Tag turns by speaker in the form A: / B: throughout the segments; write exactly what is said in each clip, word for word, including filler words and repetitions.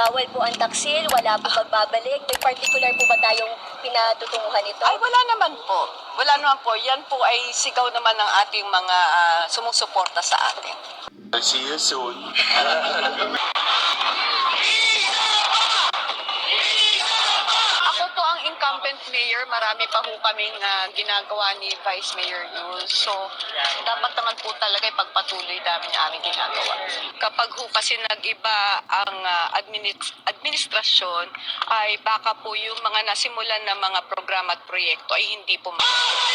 A: bawal po ang taksil, wala po magbabalik. May particular po ba tayong pinatutunguhan ito?
B: Ay, wala naman po. Wala naman po. Yan po ay sigaw naman ng ating mga ah, sumusuporta sa atin.
C: I'll see you soon.
B: Ako po ang incumbent mayor. Marami pa po kaming ah, ginagawa ni Vice Mayor Yul. So, dapat naman po talaga ipagpatuloy namin yung aming ginagawa. Kapag ho kasi nag-iba ang ah, administ- administrasyon, ay baka po yung mga nasimulan na mga programa at proyekto ay hindi po ma-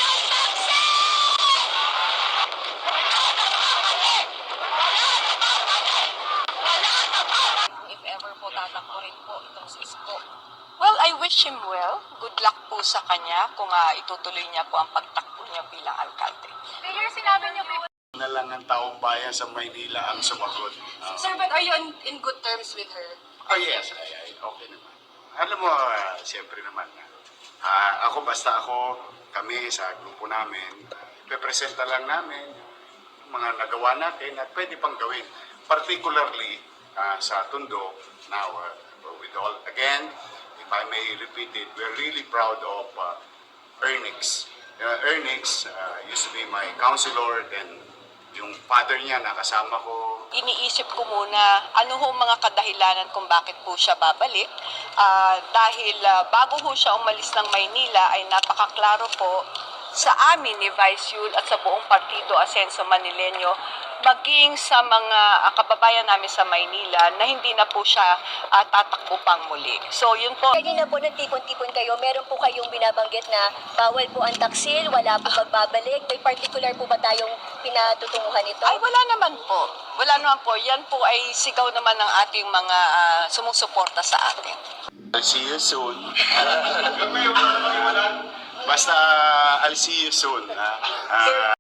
D: If ever po tatakbo rin po itong si Isko.
B: Well, I wish him well. Good luck po sa kanya kung uh, itutuloy niya po ang pagtakbo niya bilang alkalde.
D: Mayor, sinabi niyo po.
C: Na lang ang taong bayan sa Maynila ang sumagot. Uh,
D: Sir, but are you in, in good terms with her?
C: oh yes, ay, ay, okay naman. Alam mo, uh, siyempre naman, uh, ako basta ako, kami sa grupo namin, uh, representa lang namin yung mga nagawa natin at pwede pang gawin. Particularly uh, sa Tondo, now, uh, with all, again, if I may repeat it, we're really proud of uh, Ernix. Uh, Ernix uh, used to be my counselor, then yung father niya nakasama ko.
B: Iniisip ko muna ano ho mga kadahilanan kung bakit po siya babalik. Ah, dahil ah, bago ho siya umalis ng Maynila ay napakaklaro po sa amin ni Vice Yul at sa buong partido Asenso Manileño, maging sa mga ah, kababayan namin sa Maynila na hindi na po siya ah, tatakbo pang muli. So yun po.
A: Kanina po nagtipon-tipon kayo, meron po kayong binabanggit na bawal po ang taksil, wala po magbabalik. May particular po ba tayong pinatutunguhan ito?
B: Ay, wala naman po. Wala naman po. Yan po ay sigaw naman ng ating mga ah, sumusuporta sa atin.
C: I'll see you soon. Basta I'll see you soon. Ha? Ah,